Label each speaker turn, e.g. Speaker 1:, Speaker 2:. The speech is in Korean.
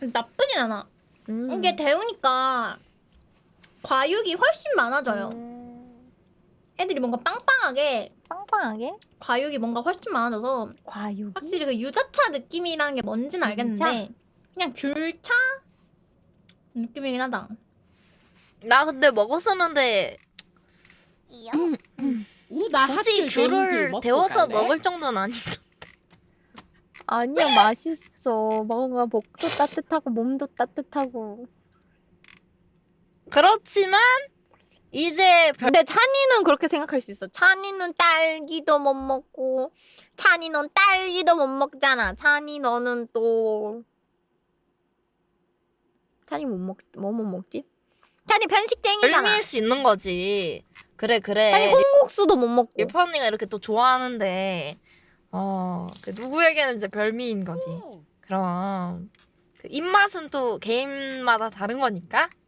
Speaker 1: 나쁘진 않아. 이게 데우니까 과육이 훨씬 많아져요. 애들이 뭔가 빵빵하게
Speaker 2: 빵빵하게?
Speaker 1: 과육이 뭔가 훨씬 많아져서
Speaker 2: 과육이?
Speaker 1: 확실히 그 유자차 느낌이라는 게 뭔지는 알겠는데 그냥 귤차 느낌이긴 하다.
Speaker 3: 나 근데 먹었었는데
Speaker 4: 나
Speaker 3: 굳이
Speaker 4: 하필
Speaker 3: 귤을
Speaker 4: 귤 먹고
Speaker 3: 데워서
Speaker 4: 갈래?
Speaker 3: 먹을 정도는 아니다.
Speaker 2: 아니야, 맛있어. 뭔가 목도 따뜻하고 몸도 따뜻하고.
Speaker 3: 그렇지만 이제
Speaker 2: 근데 찬이는 그렇게 생각할 수 있어. 찬이는 딸기도 못 먹고, 찬이는 딸기도 못 먹잖아. 찬이 너는 또 찬이 뭐 못 먹지? 찬이 편식쟁이잖아.
Speaker 3: 별미일 수 있는 거지. 그래
Speaker 2: 찬이
Speaker 3: 그래.
Speaker 2: 콩국수도 못 먹고.
Speaker 3: 일퍼 언니가 이렇게 또 좋아하는데 그 누구에게는 이제 별미인 거지. 그럼 그 입맛은 또 개인마다 다른 거니까.